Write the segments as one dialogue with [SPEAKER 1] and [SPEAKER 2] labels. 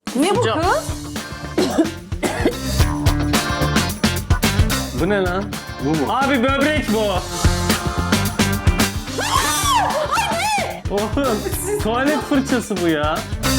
[SPEAKER 1] Ne bu kız?
[SPEAKER 2] Bu ne lan?
[SPEAKER 3] Bu mu?
[SPEAKER 2] Abi böbrek bu. Oğlum tuvalet fırçası bu ya.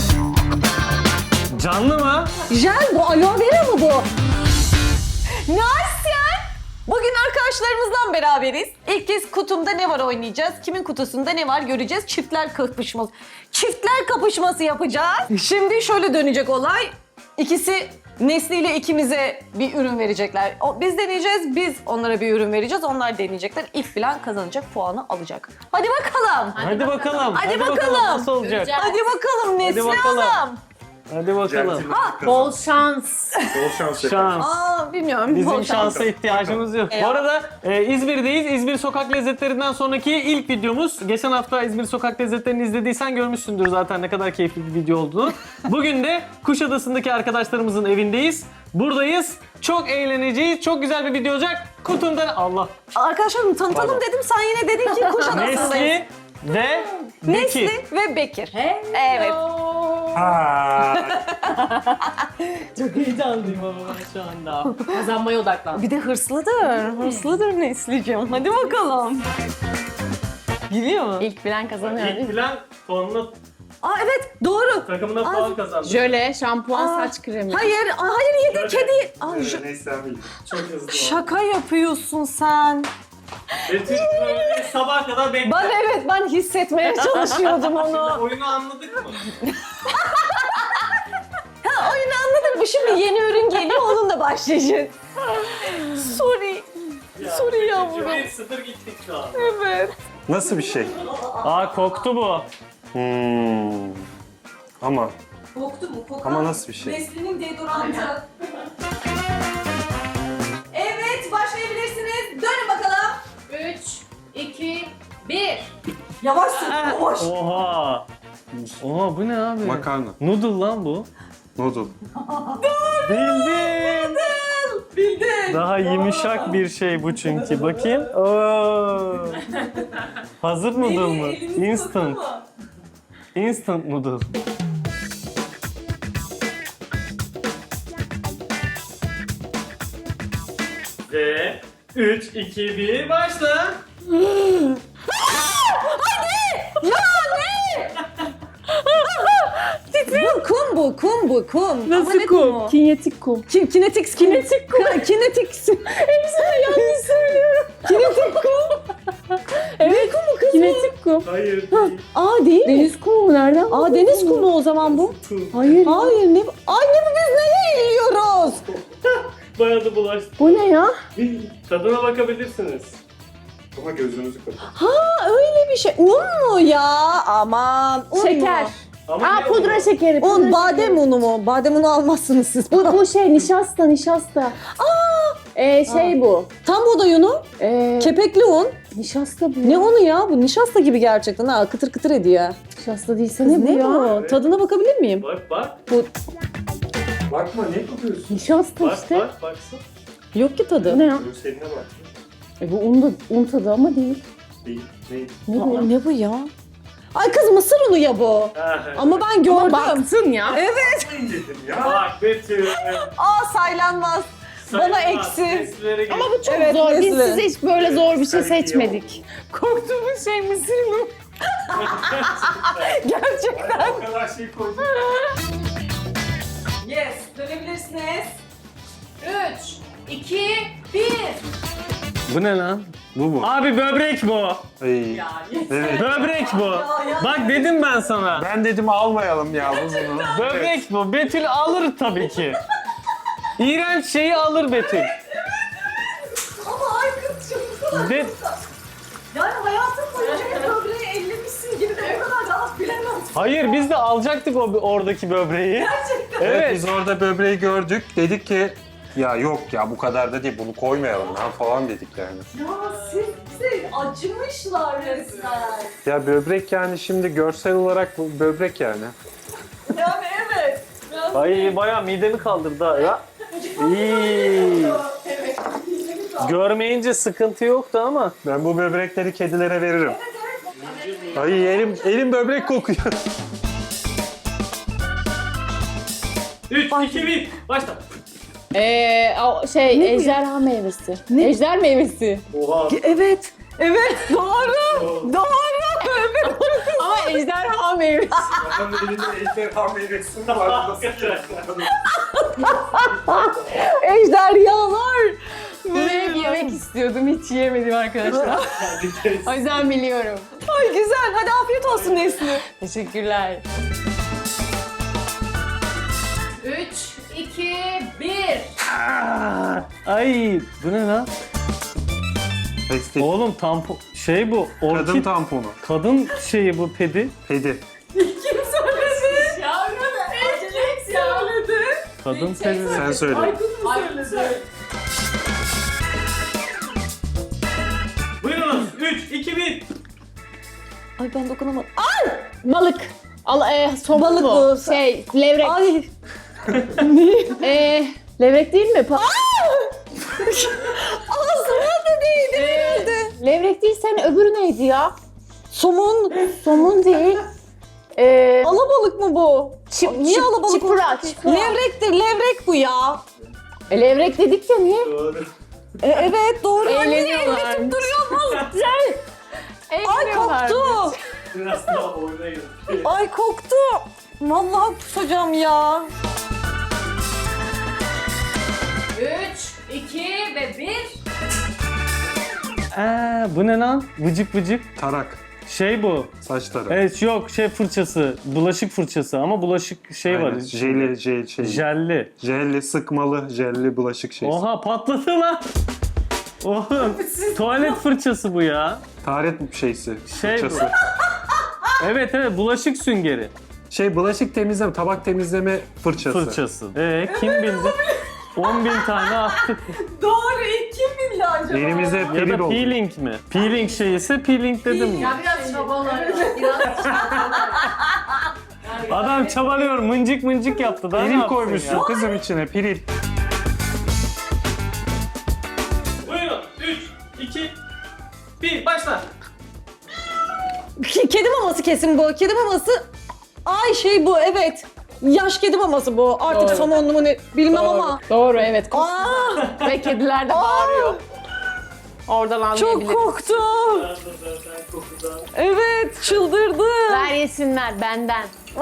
[SPEAKER 2] Canlı mı?
[SPEAKER 1] Jel bu, aloe vera mı bu? Narsyen! Bugün arkadaşlarımızla beraberiz. İlk kez kutumda ne var oynayacağız. Kimin kutusunda ne var göreceğiz. Çiftler kapışması. Çiftler kapışması yapacağız. Şimdi şöyle dönecek olay. İkisi Nesli ile ikimize bir ürün verecekler. Biz deneyeceğiz, biz onlara bir ürün vereceğiz. Onlar deneyecekler. İlk bilen kazanacak, puanı alacak. Hadi bakalım.
[SPEAKER 2] Hadi bakalım.
[SPEAKER 1] Hadi bakalım.
[SPEAKER 2] Nasıl olacak?
[SPEAKER 4] Göreceğiz.
[SPEAKER 1] Hadi bakalım Nesli
[SPEAKER 2] bakalım.
[SPEAKER 1] Hanım.
[SPEAKER 2] Hadi bakalım.
[SPEAKER 4] Bol şans.
[SPEAKER 3] Bol şans.
[SPEAKER 2] Şans.
[SPEAKER 1] Aa bilmiyorum.
[SPEAKER 2] Bizim
[SPEAKER 1] Bol şans.
[SPEAKER 2] şansa ihtiyacımız yok. Bu arada İzmir'deyiz. İzmir sokak lezzetlerinden sonraki ilk videomuz. Geçen hafta İzmir sokak lezzetlerini izlediysen görmüşsündür zaten ne kadar keyifli bir video olduğunu. Bugün de Kuşadası'ndaki arkadaşlarımızın evindeyiz. Buradayız. Çok eğleneceğiz. Çok güzel bir video olacak. Kutumda Allah.
[SPEAKER 1] Arkadaşlarım tanıtalım
[SPEAKER 2] Pardon.
[SPEAKER 1] dedim. Sen yine dedin ki Kuşadası'ndayız.
[SPEAKER 2] Nesli ve Bekir.
[SPEAKER 1] Nesli ve Bekir.
[SPEAKER 4] Evet.
[SPEAKER 2] Çok heyecanlıyım ama ben şu anda.
[SPEAKER 4] Kazanmaya odaklan.
[SPEAKER 1] Bir de hırslıdır. Hırslıdır Nesli'cim. Hadi bakalım. Biliyor mu?
[SPEAKER 4] İlk bilen kazanıyor değil
[SPEAKER 2] İlk
[SPEAKER 4] mi?
[SPEAKER 2] bilen puanına,
[SPEAKER 1] Aa evet doğru.
[SPEAKER 2] takımına puan kazandı.
[SPEAKER 4] Jöle, şampuan,
[SPEAKER 1] Aa,
[SPEAKER 4] saç kremi.
[SPEAKER 1] Hayır yedi
[SPEAKER 2] Şöyle.
[SPEAKER 1] kedi. Aa,
[SPEAKER 3] Neyse ben bildim.
[SPEAKER 2] Çok hızlı oldu.
[SPEAKER 1] şaka yapıyorsun sen.
[SPEAKER 2] Betül sabaha kadar bekle.
[SPEAKER 1] Ben hissetmeye çalışıyordum onu.
[SPEAKER 2] Oyunu anladık mı?
[SPEAKER 1] Ha oyunu anladın mı? Şimdi yeni ürün geliyor onunla başlayacağız. Sorry. Sorry yavrum.
[SPEAKER 2] 1-0 gittik şu an.
[SPEAKER 1] Evet.
[SPEAKER 3] Nasıl bir şey?
[SPEAKER 2] Aa koktu bu.
[SPEAKER 3] Ama
[SPEAKER 1] Koktu mu?
[SPEAKER 3] Ama nasıl bir şey?
[SPEAKER 1] Nesli'nin deodorantı. Evet başlayabilirsiniz. Dönün bakalım.
[SPEAKER 4] 3, 2, 1.
[SPEAKER 1] Yavaş yavaş.
[SPEAKER 2] Oha. Oha bu ne abi?
[SPEAKER 3] Makarna.
[SPEAKER 2] Noodle lan bu.
[SPEAKER 3] Noodle.
[SPEAKER 2] Bildim.
[SPEAKER 1] Bildin.
[SPEAKER 2] Daha yumuşak bir şey bu çünkü. Bakayım. Oo. Hazır noodle mı? Instant. Instant noodle. Ve 3, 2, 1 başla.
[SPEAKER 1] Bu kum bu kum. Ama ne kumu?
[SPEAKER 4] Kinyetik kum.
[SPEAKER 1] Kinetik kum. Hepsini yanlış söylüyorum. Kinetik kum.
[SPEAKER 4] Evet,
[SPEAKER 1] kumu kız
[SPEAKER 4] kinetik kum.
[SPEAKER 2] Hayır değil.
[SPEAKER 1] Aa değil mi?
[SPEAKER 4] Deniz kumu nereden?
[SPEAKER 1] Aa deniz kumu o zaman bu.
[SPEAKER 4] Hayır.
[SPEAKER 1] Hayır ne? Ay ne bu biz neye yiyoruz?
[SPEAKER 2] Bayağı da bulaştı.
[SPEAKER 4] Bu ne ya?
[SPEAKER 2] Tadına bakabilirsiniz.
[SPEAKER 3] Ama gözünüzü kapatın.
[SPEAKER 1] Ha öyle bir şey. Un mu ya? Aman. Un
[SPEAKER 4] Şeker.
[SPEAKER 1] Mu?
[SPEAKER 2] Ama
[SPEAKER 4] Aa
[SPEAKER 2] ne
[SPEAKER 4] pudra
[SPEAKER 2] bu?
[SPEAKER 4] şekeri.
[SPEAKER 1] Un
[SPEAKER 4] pudra
[SPEAKER 1] badem
[SPEAKER 4] şekeri.
[SPEAKER 1] unu mu? Badem unu almazsınız siz.
[SPEAKER 4] Bu şey nişasta. Şey bu.
[SPEAKER 1] Tam buğday unu. Kepekli un.
[SPEAKER 4] Nişasta bu.
[SPEAKER 1] Ne unu ya? Bu nişasta gibi gerçekten ha. Kıtır kıtır ediyor.
[SPEAKER 4] Nişasta değilse
[SPEAKER 1] Kız
[SPEAKER 4] ne bu
[SPEAKER 1] ne
[SPEAKER 4] ya?
[SPEAKER 1] bu? Tadına bakabilir miyim?
[SPEAKER 2] Bak.
[SPEAKER 3] Bakma ne yapıyorsun?
[SPEAKER 4] Nişasta
[SPEAKER 2] Bak
[SPEAKER 4] işte.
[SPEAKER 2] baksın.
[SPEAKER 1] Yok ki tadı.
[SPEAKER 4] Bu ne ya?
[SPEAKER 3] Seninle bak.
[SPEAKER 4] Bu un tadı ama değil.
[SPEAKER 3] Değil. Ne?
[SPEAKER 4] Ne bu?
[SPEAKER 1] Aa, ne bu ya? Ay kız mısır unu ya bu. Ama ben gördüm.
[SPEAKER 4] Baktın ya.
[SPEAKER 1] Evet.
[SPEAKER 3] Dedim ya.
[SPEAKER 2] Bak Betül.
[SPEAKER 1] Aa saylanmaz. Bana eksi.
[SPEAKER 4] Ama bu çok
[SPEAKER 1] Evet,
[SPEAKER 4] zor. Biz
[SPEAKER 1] Nesli.
[SPEAKER 4] size hiç böyle zor bir şey
[SPEAKER 3] Sen iyi
[SPEAKER 4] seçmedik. Korktuğumuz şey mısır mı?
[SPEAKER 1] Gerçekten.
[SPEAKER 3] O kadar şey koydum.
[SPEAKER 1] Yes. Dönebilirsiniz.
[SPEAKER 4] 3, 2, 1.
[SPEAKER 2] Bu ne lan?
[SPEAKER 3] Bu mu?
[SPEAKER 2] Abi böbrek bu.
[SPEAKER 3] Ay. Evet.
[SPEAKER 2] Böbrek bu. Bak dedim ben sana.
[SPEAKER 3] Ben dedim almayalım ya bunu.
[SPEAKER 2] Böbrek bu. Betül alır tabii ki. İğrenç şeyi alır Betül.
[SPEAKER 1] Ama ay kız çok
[SPEAKER 2] De
[SPEAKER 1] yani hayatım boyunca hep böbreği ellemişsin gibi de o kadar rahat bilemem.
[SPEAKER 2] Hayır biz de alacaktık oradaki böbreği. Evet.
[SPEAKER 3] Biz orada böbreği gördük. Dedik ki ya yok ya bu kadar da değil bunu koymayalım lan falan dedik yani.
[SPEAKER 1] Ya size acımışlar resmen.
[SPEAKER 3] Ya böbrek yani şimdi görsel olarak bu böbrek yani.
[SPEAKER 1] Yani evet.
[SPEAKER 2] Ay bayağı midemi kaldırdı ha. Ya. İyi. Görmeyince sıkıntı yoktu ama.
[SPEAKER 3] Ben bu böbrekleri kedilere veririm. Ay elim böbrek kokuyor.
[SPEAKER 2] 3, 2, 1. Başla.
[SPEAKER 4] Ejderha meyvesi. Ejder meyvesi.
[SPEAKER 2] Oha.
[SPEAKER 1] Evet. Evet doğru. Doğru.
[SPEAKER 4] Ama ejderha meyvesi.
[SPEAKER 3] Adamın elinde ejderha meyvesi var.
[SPEAKER 1] Ejderhalar.
[SPEAKER 4] Bunu hep yemek istiyordum. Hiç yiyemedim arkadaşlar. O yüzden biliyorum.
[SPEAKER 1] Ay güzel. Hadi afiyet olsun Nesli.
[SPEAKER 4] Teşekkürler.
[SPEAKER 5] 3, 2, 1.
[SPEAKER 2] Ay bu ne lan?
[SPEAKER 3] Pestil.
[SPEAKER 2] Oğlum tampon şey bu
[SPEAKER 3] Kadın
[SPEAKER 2] orkid
[SPEAKER 3] tamponu.
[SPEAKER 2] kadın şeyi bu pedi.
[SPEAKER 3] Pedi.
[SPEAKER 5] Yavrum erkek söyledi.
[SPEAKER 2] Kadın pedi.
[SPEAKER 3] Sen söyle.
[SPEAKER 2] Buyurunuz 3 2 1.
[SPEAKER 1] Ay ben dokunamadım.
[SPEAKER 4] Balık. Somon
[SPEAKER 1] Balık
[SPEAKER 4] mu?
[SPEAKER 1] bu.
[SPEAKER 4] Levrek.
[SPEAKER 1] Ay.
[SPEAKER 4] Levrek değil mi?
[SPEAKER 1] Ağzıma da değdi herhalde.
[SPEAKER 4] Levrek değil, sen öbürü neydi ya?
[SPEAKER 1] Somun.
[SPEAKER 4] Somun değil.
[SPEAKER 1] Alabalık mı bu? Niye alabalık
[SPEAKER 4] çipura,
[SPEAKER 1] olsun ki?
[SPEAKER 4] çipura.
[SPEAKER 1] Levrektir. Levrek bu ya.
[SPEAKER 4] Levrek dedik ya, niye?
[SPEAKER 2] Doğru.
[SPEAKER 1] Evet doğru. Anne
[SPEAKER 4] Eğleniyorlar.
[SPEAKER 1] elletim duruyor mu? Ay
[SPEAKER 4] Eğleniyorlar.
[SPEAKER 1] koktu.
[SPEAKER 2] Biraz daha oyuna girdi.
[SPEAKER 1] Ay koktu. Vallahi kusacağım ya.
[SPEAKER 5] 3, 2 ve 1.
[SPEAKER 2] Bu ne lan? Vıcık vıcık.
[SPEAKER 3] Tarak.
[SPEAKER 2] Şey bu.
[SPEAKER 3] Saç tarafı.
[SPEAKER 2] Evet yok şey fırçası. Bulaşık fırçası ama bulaşık şey var.
[SPEAKER 3] Aynen. Jeli.
[SPEAKER 2] Jelli.
[SPEAKER 3] Jelli, sıkmalı, jelli bulaşık şeysi.
[SPEAKER 2] Oha patladı lan. Oğlum tuvalet fırçası bu ya.
[SPEAKER 3] Taharet şeysi.
[SPEAKER 2] Şey bu.
[SPEAKER 3] fırçası.
[SPEAKER 2] Evet bulaşık süngeri.
[SPEAKER 3] Bulaşık temizleme, tabak temizleme fırçası.
[SPEAKER 2] Fırçası. Kim bildi? 10.000 tane attık.
[SPEAKER 1] Doğru. Kim bildi acaba?
[SPEAKER 3] Elimizde
[SPEAKER 2] Ya
[SPEAKER 3] peril
[SPEAKER 2] da
[SPEAKER 3] oldu.
[SPEAKER 2] peeling mi? Peeling şeyisi peeling dedim mi?
[SPEAKER 5] Ya biraz çabalar. Biraz
[SPEAKER 2] Adam çabalıyor mıncık mıncık yaptı. Daha ne
[SPEAKER 3] Peril
[SPEAKER 2] yapsın
[SPEAKER 3] koymuşsun
[SPEAKER 2] ya?
[SPEAKER 3] kızım içine, peril.
[SPEAKER 2] Buyurun 3, 2, 1 başla.
[SPEAKER 1] Kedi maması kesin bu. Kedi maması. Ay bu evet. Yaş kedi maması bu. Artık
[SPEAKER 4] Doğru.
[SPEAKER 1] somonlu mu ne bilmem ama.
[SPEAKER 4] Doğru, evet.
[SPEAKER 1] Aa,
[SPEAKER 4] Ve kediler de bağırıyor. Oradan
[SPEAKER 1] çok
[SPEAKER 4] anlayabiliriz.
[SPEAKER 1] korktu. Evet çıldırdı.
[SPEAKER 4] Ver yesinler benden.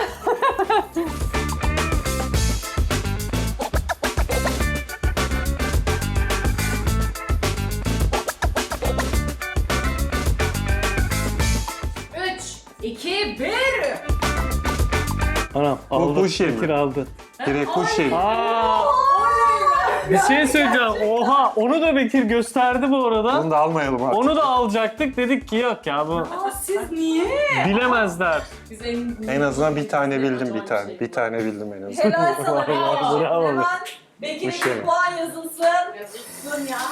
[SPEAKER 5] Üç, 2, 1.
[SPEAKER 2] Anam aldı.
[SPEAKER 3] bu şey mi?
[SPEAKER 2] Bekir aldı.
[SPEAKER 3] Direkt kuş şeyi.
[SPEAKER 2] Aa! Bir şey söyleyeceğim. Oha onu da Bekir gösterdi bu arada.
[SPEAKER 3] Onu da almayalım artık.
[SPEAKER 2] Onu da alacaktık. Dedik ki yok ya bu
[SPEAKER 5] Siz niye?
[SPEAKER 2] bilemezler.
[SPEAKER 5] Biz
[SPEAKER 3] En azından bir tane bildim bir tane. Bir tane bildim en azından.
[SPEAKER 1] Helal sana.
[SPEAKER 2] Bravo.
[SPEAKER 1] Hemen
[SPEAKER 3] Bu şey
[SPEAKER 1] Bekir'in
[SPEAKER 3] mi?
[SPEAKER 1] puan yazılsın.
[SPEAKER 5] Yazılsın ya.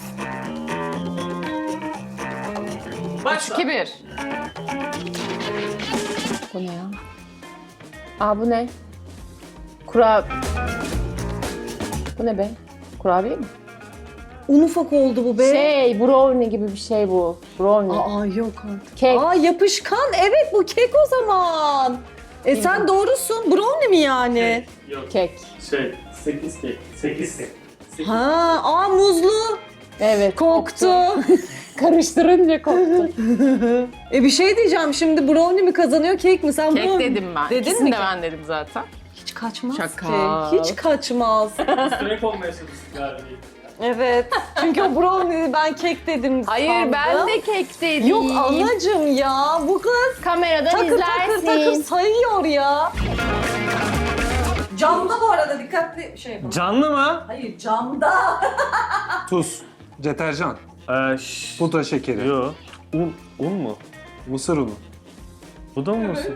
[SPEAKER 2] Başla.
[SPEAKER 4] 2-1. Bu ne ya? Bu ne? Bu ne be? Kurabiye mi?
[SPEAKER 1] Un ufak oldu bu be.
[SPEAKER 4] Brownie gibi bir şey bu. Brownie.
[SPEAKER 1] Aa yok artık.
[SPEAKER 4] Kek.
[SPEAKER 1] Yapışkan. Evet bu kek o zaman. Sen doğrusun. Brownie mi yani?
[SPEAKER 2] Yok.
[SPEAKER 4] Kek.
[SPEAKER 2] 8 kek. 8 kek.
[SPEAKER 1] Muzlu.
[SPEAKER 4] Evet.
[SPEAKER 1] Koktu.
[SPEAKER 4] Karıştırınca koktu.
[SPEAKER 1] Bir şey diyeceğim şimdi brownie mi kazanıyor kek mi? Sen
[SPEAKER 4] Kek
[SPEAKER 1] bunu
[SPEAKER 4] dedim ben.
[SPEAKER 1] Dedin
[SPEAKER 4] İkisini
[SPEAKER 1] mi
[SPEAKER 4] de
[SPEAKER 1] ki?
[SPEAKER 4] ben dedim zaten.
[SPEAKER 1] hiç kaçmaz
[SPEAKER 4] Şaka.
[SPEAKER 1] ki. Hiç kaçmaz.
[SPEAKER 2] Sürekli olmaya çalıştık galiba.
[SPEAKER 1] Evet. Çünkü o brownie ben kek dedim
[SPEAKER 4] Hayır,
[SPEAKER 1] sandım.
[SPEAKER 4] ben de kek dedim.
[SPEAKER 1] Yok anacığım ya. Bu kız
[SPEAKER 4] Kameradan
[SPEAKER 1] takır
[SPEAKER 4] izlersin.
[SPEAKER 1] takır sayıyor ya. Camda bu arada dikkatli
[SPEAKER 2] Canlı mı?
[SPEAKER 1] Hayır camda.
[SPEAKER 3] Tuz, deterjan,
[SPEAKER 2] Şşş.
[SPEAKER 3] pudra şekeri,
[SPEAKER 2] Yo. Un mu?
[SPEAKER 3] mısır unu.
[SPEAKER 2] Bu da mı mısır?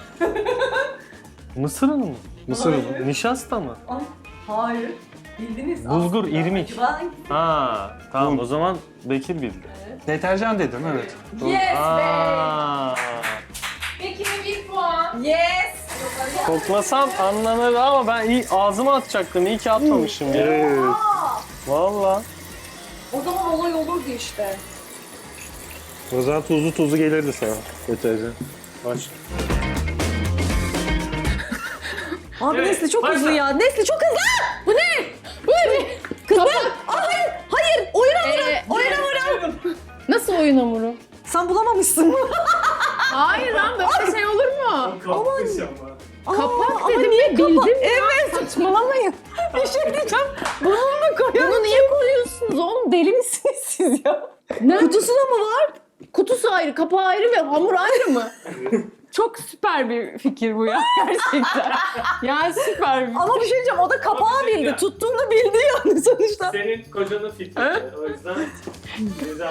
[SPEAKER 2] Mısır unu mu?
[SPEAKER 3] Mısır unu.
[SPEAKER 2] Nişasta mı?
[SPEAKER 1] Hayır. Bildiniz
[SPEAKER 2] Bulgur,
[SPEAKER 1] aslında.
[SPEAKER 2] irmik.
[SPEAKER 1] Acaba
[SPEAKER 2] Ha, tamam
[SPEAKER 3] Un.
[SPEAKER 2] o zaman Bekir bildi.
[SPEAKER 3] Deterjan dedin evet.
[SPEAKER 5] Yes be.
[SPEAKER 2] Aa.
[SPEAKER 5] Bekir'e 1 puan.
[SPEAKER 1] Yes.
[SPEAKER 2] Koklasam anlanır ama ben iyi ağzıma atacaktım. İyi ki atmamışım ya.
[SPEAKER 3] Evet.
[SPEAKER 2] Valla.
[SPEAKER 1] O zaman olay olurdu işte.
[SPEAKER 3] O zaman tuzlu gelirdi sana deterjan. Aç.
[SPEAKER 1] Abi
[SPEAKER 2] Evet,
[SPEAKER 1] Nesli çok
[SPEAKER 2] başla.
[SPEAKER 1] hızlı ya. Nesli çok hızlı. Bu ne? Bu ne? Kız ben. Hayır. Hayır. Oyun hamuru. Oyun hamuru.
[SPEAKER 4] Nasıl oyun hamuru?
[SPEAKER 1] Sen bulamamışsın mı?
[SPEAKER 4] Hayır lan böyle şey olur mu? Kapak
[SPEAKER 1] ama
[SPEAKER 4] dedim
[SPEAKER 1] niye
[SPEAKER 4] ya bildim ya.
[SPEAKER 1] Evet.
[SPEAKER 4] Saçmalamayın.
[SPEAKER 1] Bir şey diyeceğim. Bunu mu koyalım?
[SPEAKER 4] Bunu niye koyuyorsunuz oğlum? Deli misiniz siz ya? Ne?
[SPEAKER 1] Kutusunda mı var?
[SPEAKER 4] Kutusu ayrı, kapağı ayrı ve hamur ayrı mı? Çok süper bir fikir bu ya gerçekten. Ya süper bir
[SPEAKER 1] Ama bir şey diyeceğim. O da kapağı bildi.
[SPEAKER 2] Ya.
[SPEAKER 1] Tuttuğunu bildi yani sonuçta.
[SPEAKER 2] Senin kocanın fikri. O yüzden güzel.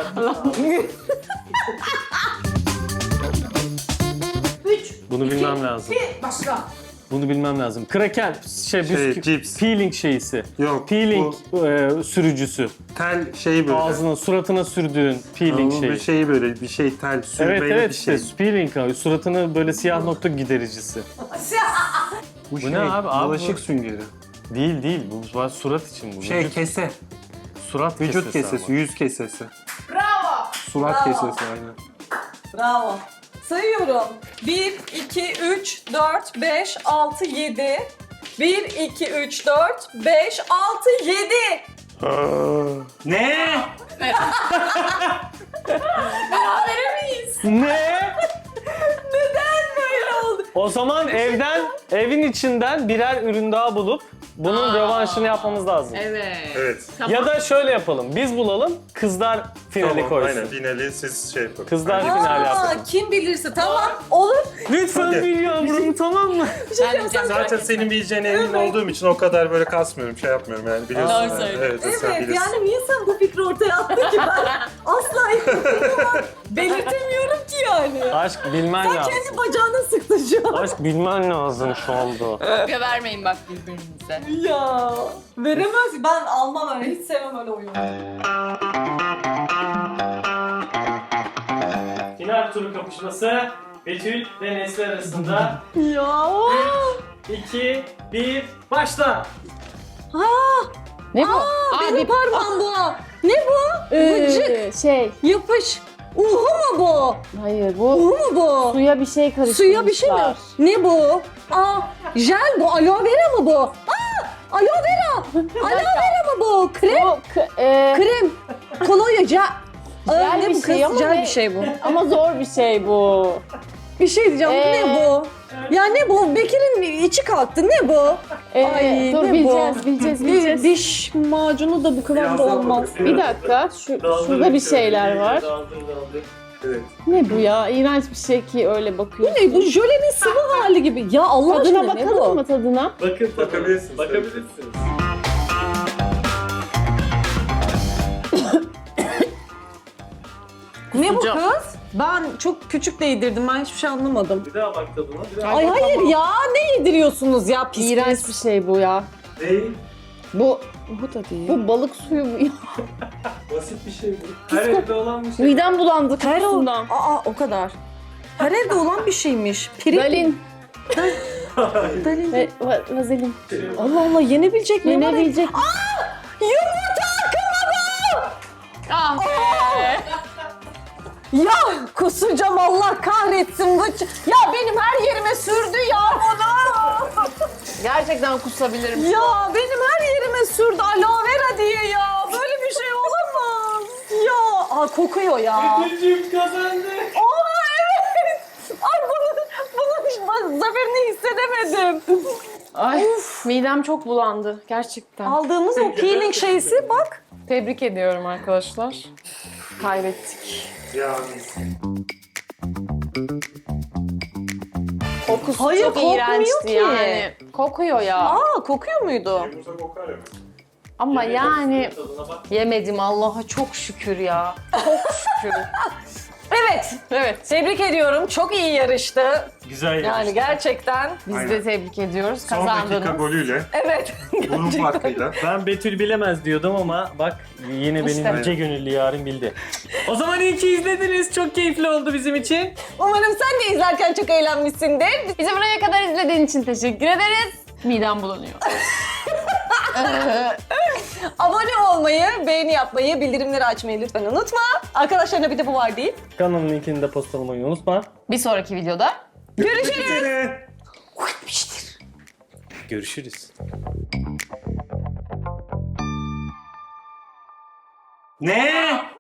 [SPEAKER 5] 3,
[SPEAKER 2] Bunu bilmem lazım.
[SPEAKER 5] 1, başla.
[SPEAKER 2] Bunu bilmem lazım. Kraker, bisküvi,
[SPEAKER 3] cips.
[SPEAKER 2] peeling şeysi.
[SPEAKER 3] Yok.
[SPEAKER 2] Peeling sürücüsü.
[SPEAKER 3] Tel şeyi böyle.
[SPEAKER 2] Ağzına, suratına sürdüğün peeling
[SPEAKER 3] Bu
[SPEAKER 2] şeyi.
[SPEAKER 3] bir şey böyle bir şey tel sürmeli
[SPEAKER 2] Evet evet
[SPEAKER 3] bir şey.
[SPEAKER 2] işte peeling abi. Suratını böyle siyah nokta gidericisi.
[SPEAKER 3] Bu
[SPEAKER 2] ne abi? Abi
[SPEAKER 3] bulaşık
[SPEAKER 2] bu-
[SPEAKER 3] süngeri.
[SPEAKER 2] Değil. Bu var surat için bu.
[SPEAKER 3] Şey kese.
[SPEAKER 2] surat
[SPEAKER 3] Vücut kesesi,
[SPEAKER 2] ama.
[SPEAKER 3] yüz kesesi.
[SPEAKER 5] Bravo.
[SPEAKER 3] Surat
[SPEAKER 1] Bravo.
[SPEAKER 3] kesesi aynen.
[SPEAKER 1] Bravo. Sayıyorum. 1, 2, 3, 4, 5, 6, 7. 1, 2, 3, 4, 5, 6, 7.
[SPEAKER 3] Ne?
[SPEAKER 5] Berabere miyiz?
[SPEAKER 2] Ne?
[SPEAKER 1] Neden böyle oldu?
[SPEAKER 2] O zaman evin içinden birer ürün daha bulup bunun rövanşını yapmamız lazım.
[SPEAKER 4] Evet.
[SPEAKER 3] Evet.
[SPEAKER 2] Ya da şöyle yapalım. Biz bulalım, kızlar finali koysun.
[SPEAKER 3] Aynen finali siz şey yapın.
[SPEAKER 2] Kızlar
[SPEAKER 3] Aynen.
[SPEAKER 2] finali yapsın.
[SPEAKER 1] Kim bilirse tamam. Olur.
[SPEAKER 2] Lütfen
[SPEAKER 3] Hadi.
[SPEAKER 2] bil yavrum tamam mı?
[SPEAKER 3] Zaten senin bileceğine emin olduğum için o kadar böyle kasmıyorum, şey yapmıyorum yani biliyorsun.
[SPEAKER 4] Doğru söylüyorsun.
[SPEAKER 3] Evet, sen
[SPEAKER 1] Evet
[SPEAKER 3] bilirsin.
[SPEAKER 1] yani niye sen bu fikri ortaya attın ki ben asla belirtemiyorum ki yani.
[SPEAKER 2] Aşk bilmen
[SPEAKER 1] Sen
[SPEAKER 2] lazım.
[SPEAKER 1] kendi bacağına sıktın şu an.
[SPEAKER 2] Aşk bilmen lazım şu anda.
[SPEAKER 4] Kopya vermeyin bak birbirinize.
[SPEAKER 1] Ya veremez. Ben almam öyle. Hiç sevmem öyle oyunu.
[SPEAKER 2] Final turu kapışması Betül ve Nesli arasında.
[SPEAKER 1] Ya.
[SPEAKER 2] 2, 1, başla.
[SPEAKER 4] Ne bu?
[SPEAKER 1] Benim parmağım bu. Ne bu? Vıcık.
[SPEAKER 4] Şey,
[SPEAKER 1] Yapış. Uhu mu bu?
[SPEAKER 4] hayır bu
[SPEAKER 1] Uhu mu bu?
[SPEAKER 4] suya bir şey karıştırmışlar.
[SPEAKER 1] Suya bir şey mi? Ne bu? Jel bu. Aloe vera mı bu? Aloe vera. Aloe vera mı bu? Krem.
[SPEAKER 4] Bu
[SPEAKER 1] Krem. Kolonya. Jel.
[SPEAKER 4] Jel
[SPEAKER 1] Ne
[SPEAKER 4] bir
[SPEAKER 1] bu
[SPEAKER 4] şey
[SPEAKER 1] kız?
[SPEAKER 4] ama
[SPEAKER 1] Jel
[SPEAKER 4] ne?
[SPEAKER 1] bir şey bu.
[SPEAKER 4] ama zor bir şey bu.
[SPEAKER 1] Bir şey diyeceğim. Bu ne bu? Ya ne bu? Bekir'in içi kalktı. Ne bu? Ay,
[SPEAKER 4] Dur
[SPEAKER 1] ne
[SPEAKER 4] bileceğiz.
[SPEAKER 1] Diş macunu da bu kıvamda olmaz.
[SPEAKER 4] Bir dakika, şurada bir şeyler var.
[SPEAKER 3] Evet.
[SPEAKER 4] Ne bu ya? İğrenç bir şey ki öyle
[SPEAKER 1] Bu
[SPEAKER 4] bakıyorsun.
[SPEAKER 1] ne? Bu jölenin sıvı hali gibi. Ya Allah
[SPEAKER 4] Tadına
[SPEAKER 1] aşkına ne
[SPEAKER 4] bakalım
[SPEAKER 1] bu?
[SPEAKER 4] mı tadına?
[SPEAKER 2] Bakın
[SPEAKER 3] Bakabilirsiniz.
[SPEAKER 2] Bakabilirsiniz.
[SPEAKER 1] Ne bu
[SPEAKER 4] Sıcak.
[SPEAKER 1] kız? Ben çok küçük de yedirdim. Ben hiçbir şey anlamadım.
[SPEAKER 2] Bir daha bak tadına. Bir daha.
[SPEAKER 1] Ay hayır ya. Ne yediriyorsunuz ya? Pis
[SPEAKER 4] İğrenç
[SPEAKER 1] pis.
[SPEAKER 4] bir şey bu ya.
[SPEAKER 2] Değil.
[SPEAKER 4] Bu
[SPEAKER 1] Bu da değil.
[SPEAKER 4] bu balık suyu bu ya.
[SPEAKER 2] Basit bir şey bu. Her evde olan bir şey.
[SPEAKER 4] Midem bulandı
[SPEAKER 1] Her o,
[SPEAKER 4] kokusundan.
[SPEAKER 1] o kadar. Her evde olan bir şeymiş. Pirinç.
[SPEAKER 4] Dalin
[SPEAKER 1] Dalin.
[SPEAKER 4] ve vazelin.
[SPEAKER 1] Allah Allah yenebilecek mi?
[SPEAKER 4] Yenebilecek.
[SPEAKER 1] Yumurta akımı bu!
[SPEAKER 4] Ah be.
[SPEAKER 1] Ya kusacağım Allah kahretsin. Ya benim her yerime sürdü ya bunu.
[SPEAKER 4] Gerçekten kusabilirim.
[SPEAKER 1] Ya benim her yerime sürdü aloe vera diye ya. Böyle bir şey olamaz. Ya kokuyor ya.
[SPEAKER 2] Betül'cüğüm kazandı.
[SPEAKER 1] Oha evet. Ay bunun zaferini hissedemedim.
[SPEAKER 4] Ay midem çok bulandı gerçekten.
[SPEAKER 1] Aldığımız o peeling şeysi bak.
[SPEAKER 4] Tebrik ediyorum arkadaşlar. Kaybettik.
[SPEAKER 3] Yani.
[SPEAKER 4] Kokusu
[SPEAKER 1] Hayır,
[SPEAKER 4] çok
[SPEAKER 1] kokmuyor
[SPEAKER 4] iğrençti
[SPEAKER 1] ki.
[SPEAKER 4] yani. Kokuyor ya.
[SPEAKER 1] Kokuyor muydu?
[SPEAKER 3] Yumurta kokar ya.
[SPEAKER 4] Ama yani
[SPEAKER 2] Tadına bak.
[SPEAKER 4] yemedim Allah'a çok şükür ya. Çok şükür.
[SPEAKER 1] Evet.
[SPEAKER 4] Evet.
[SPEAKER 1] Tebrik ediyorum. Çok iyi yarıştı.
[SPEAKER 2] Güzel
[SPEAKER 1] Yani gerçekten.
[SPEAKER 4] Biz
[SPEAKER 3] Aynen.
[SPEAKER 4] de tebrik ediyoruz.
[SPEAKER 3] Son dakika
[SPEAKER 4] Kazandınız.
[SPEAKER 3] golüyle,
[SPEAKER 1] Evet.
[SPEAKER 3] burun farkıyla.
[SPEAKER 2] Ben Betül bilemez diyordum ama bak yine benim
[SPEAKER 4] İşte.
[SPEAKER 2] yüce gönüllü yarın bildi. O zaman iyi ki izlediniz. Çok keyifli oldu bizim için.
[SPEAKER 1] Umarım sen de izlerken çok eğlenmişsindir.
[SPEAKER 4] Bizi buraya kadar izlediğin için teşekkür ederiz. Midem bulanıyor.
[SPEAKER 1] Abone olmayı, beğeni yapmayı, bildirimleri açmayı lütfen unutma. Arkadaşlarına bir de bu var değil.
[SPEAKER 2] Kanalın linkini de postalamayı unutma.
[SPEAKER 4] Bir sonraki videoda
[SPEAKER 1] Görüşürüz.
[SPEAKER 3] Bitti.
[SPEAKER 1] Bitmiştir.
[SPEAKER 6] Görüşürüz.
[SPEAKER 3] Ne?